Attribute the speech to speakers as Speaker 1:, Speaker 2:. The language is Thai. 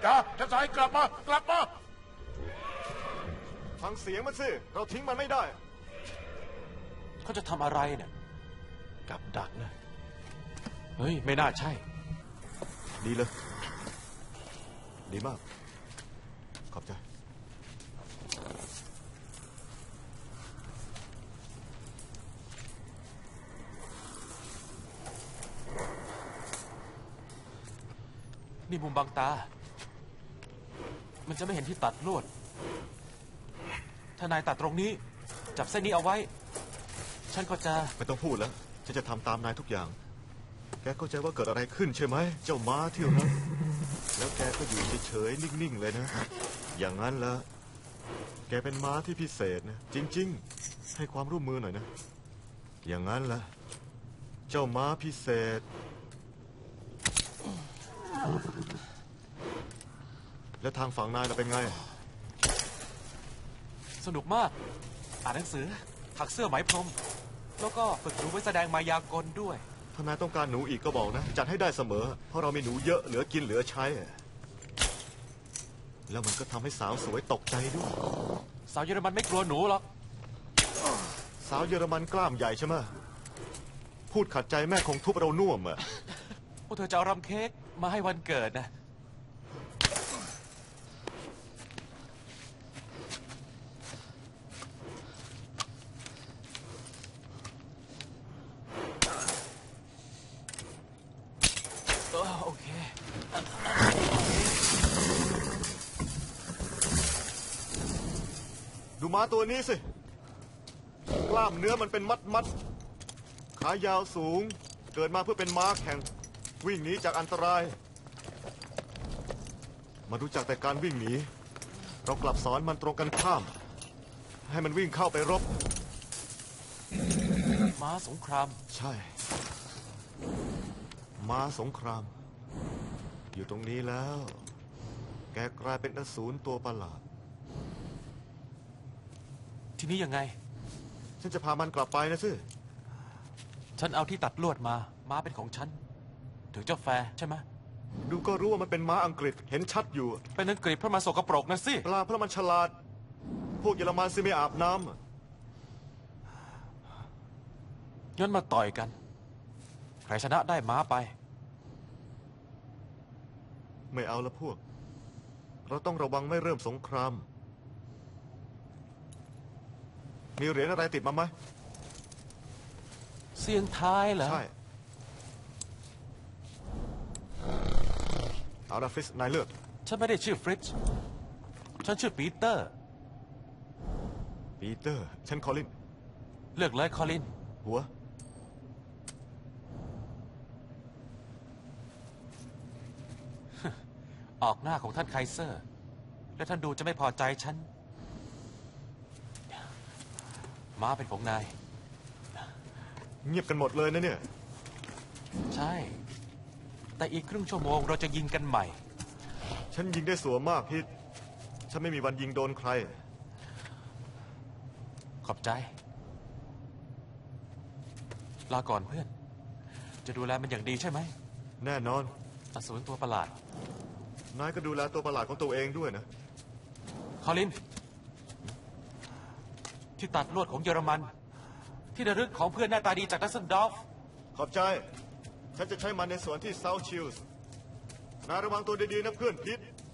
Speaker 1: จ๋าฉันสายกลับมากลับมา
Speaker 2: ฟังเสียงมันสิเราทิ้งมันไม่ได้
Speaker 3: เขาจะทำอะไรเนี่ย
Speaker 2: กับดักนะ
Speaker 3: เฮ้ยไม่น่าใช่
Speaker 2: ดีเลยดีมากขอบใจ
Speaker 3: นี่มุมบังตามันจะไม่เห็นที่ตัดลวดถ้านายตัดตรงนี้จับเส้นนี้เอาไว้ฉันก็จะ
Speaker 2: ไม่ต้องพูดแล้วฉันจะทำตามนายทุกอย่างแกเข้าใจว่าเกิดอะไรขึ้นใช่ไหมเจ้าม้าที่รักแล้วแกก็อยู่เฉยๆนิ่งๆเลยนะอย่างนั้นละแกเป็นม้าที่พิเศษนะจริงๆให้ความร่วมมือหน่อยนะอย่างนั้นละเจ้าม้าพิเศษแล้วทางฝั่งนายเป็นไง
Speaker 3: สนุกมากอ่านหนังสือถักเสื้อไหมพรมแล้วก็ฝึกหนูไว้แสดงมายากลด้วย
Speaker 2: ถ้านายต้องการหนูอีกก็บอกนะจัดให้ได้เสมอเพราะเรามีหนูเยอะเหลือกินเหลือใช้แล้วมันก็ทำให้สาวสวยตกใจด้วย
Speaker 3: สาวเยอรมันไม่กลัวหนูหรอก
Speaker 2: สาวเยอรมันกล้ามใหญ่ใช่ไหมพูดขัดใจแม่คงทุบเราน่วมอ่ะ
Speaker 3: พวกเธอจะเอารำเค้กมาให้วันเกิดนะโอเค
Speaker 2: ดูม้าตัวนี้สิกล้ามเนื้อมันเป็นมัดขายาวสูงเกิดมาเพื่อเป็นม้าแข่งวิ่งหนีจากอันตรายมารู้จักแต่การวิ่งหนีเรากลับสอนมันตรงกันข้ามให้มันวิ่งเข้าไปรบ
Speaker 3: ม้าสงคราม
Speaker 2: ใช่ม้าสงครามอยู่ตรงนี้แล้วแกกลายเป็นอสูรตัวประหลาด
Speaker 3: ทีนี้ยังไง
Speaker 2: ฉันจะพามันกลับไปนะสิ
Speaker 3: ฉันเอาที่ตัดลวดมาม้าเป็นของฉันถึงเจ้าแฟร์ใช่ไหม
Speaker 2: ดูก็รู้ว่ามันเป็นม้าอังกฤษเห็นชัดอยู่
Speaker 3: เป็นอังกฤษเพราะมันสกปรกนะสิ
Speaker 2: ปลาเพราะมันฉลาดพวกเยอรมันสิไม่อาบน้
Speaker 3: ำงั้นมาต่อยกันใครชนะได้ม้าไป
Speaker 2: ไม่เอาละพวกเราต้องระวังไม่เริ่มสงครามมีเหรียญอะไรติดมาไหม
Speaker 3: เสียงท้ายเหรอ
Speaker 2: ใช่เอาละฟริสนายเลือก
Speaker 3: ฉันไม่ได้ชื่อฟริตซ์ฉันชื่อปีเตอร์
Speaker 2: ฉันคอลิน
Speaker 3: เลือกเลยคอลิน
Speaker 2: หัว
Speaker 3: ออกหน้าของท่านไคเซอร์และท่านดูจะไม่พอใจฉันม้าเป็นของนาย
Speaker 2: เงียบกันหมดเลยนะเนี่ย
Speaker 3: ใช่แต่อีกครึ่งชั่วโมงเราจะยิงกันใหม่
Speaker 2: ฉันยิงได้สัวมากพิษฉันไม่มีวันยิงโดนใคร
Speaker 3: ขอบใจลาก่อนเพื่อนจะดูแลมันอย่างดีใช่ไหม
Speaker 2: แน่นอน
Speaker 3: อสูรตัวประหลาด
Speaker 2: นายก็ดูแลตัวประหลาดของตัวเองด้วยนะ
Speaker 3: คอลินที่ตัดลวดของเยอรมันที่ระลึกของเพื่อนหน้าตาดีจากดัสเซนดอร์ฟ
Speaker 2: ขอบใจฉันจะใช้มันในสวนที่เซาท์ชิลส์นายระวังตัวดีๆนะเพื่อนพิษ